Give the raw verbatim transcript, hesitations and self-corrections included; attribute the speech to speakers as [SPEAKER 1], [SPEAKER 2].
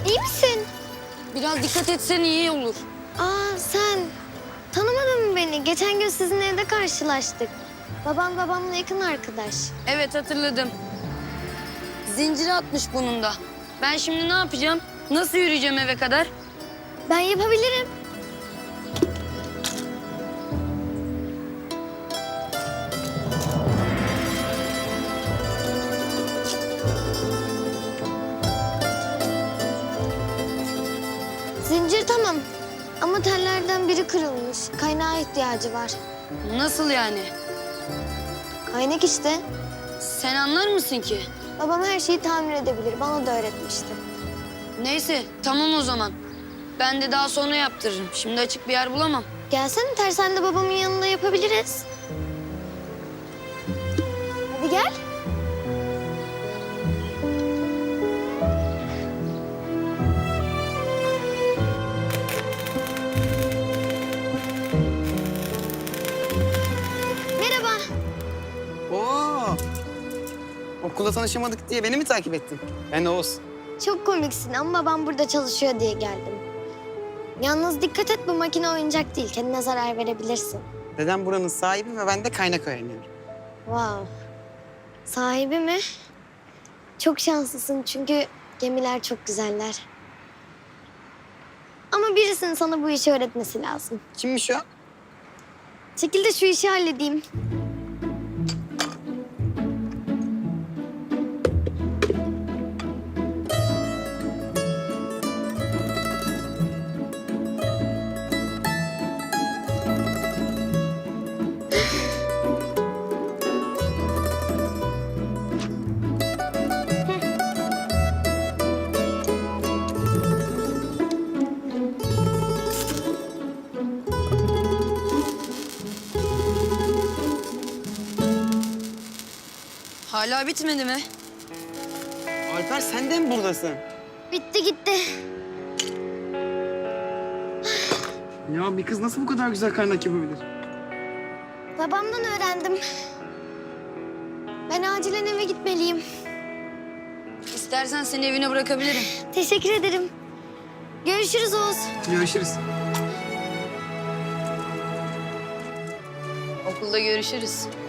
[SPEAKER 1] İyi misin?
[SPEAKER 2] Biraz dikkat etsen iyi olur.
[SPEAKER 1] Aa sen tanımadın mı beni? Geçen gün sizin evde karşılaştık. Babam babamla yakın arkadaş.
[SPEAKER 2] Evet hatırladım. Zinciri atmış bunun da. Ben şimdi ne yapacağım? Nasıl yürüyeceğim eve kadar?
[SPEAKER 1] Ben yapabilirim. Zincir tamam. Ama tellerden biri kırılmış. Kaynağa ihtiyacı var.
[SPEAKER 2] Nasıl yani?
[SPEAKER 1] Kaynak işte.
[SPEAKER 2] Sen anlar mısın ki?
[SPEAKER 1] Babam her şeyi tamir edebilir. Bana da öğretmişti.
[SPEAKER 2] Neyse tamam o zaman. Ben de daha sonra yaptırırım. Şimdi açık bir yer bulamam.
[SPEAKER 1] Gelsene tersanede babamın yanında yapabiliriz. Hadi gel. Merhaba.
[SPEAKER 3] Oo. Okulda tanışamadık diye beni mi takip ettin? Ben Oğuz.
[SPEAKER 1] Çok komiksin ama babam burada çalışıyor diye geldim. Yalnız dikkat et, bu makine oyuncak değil. Kendine zarar verebilirsin.
[SPEAKER 3] Dedem buranın sahibi ve ben de kaynak öğreniyorum.
[SPEAKER 1] Wow. Sahibi mi? Çok şanslısın çünkü gemiler çok güzeller. Ama birisinin sana bu işi öğretmesi lazım.
[SPEAKER 3] Kimmiş o?
[SPEAKER 1] Çekil de şu işi halledeyim.
[SPEAKER 2] Hala bitmedi mi?
[SPEAKER 3] Alper sen de mi buradasın?
[SPEAKER 1] Bitti gitti.
[SPEAKER 3] Ya bir kız nasıl bu kadar güzel kaynak yapabilir?
[SPEAKER 1] Babamdan öğrendim. Ben acilen eve gitmeliyim.
[SPEAKER 2] İstersen seni evine bırakabilirim.
[SPEAKER 1] Teşekkür ederim. Görüşürüz Oğuz.
[SPEAKER 3] Görüşürüz.
[SPEAKER 2] Okulda görüşürüz.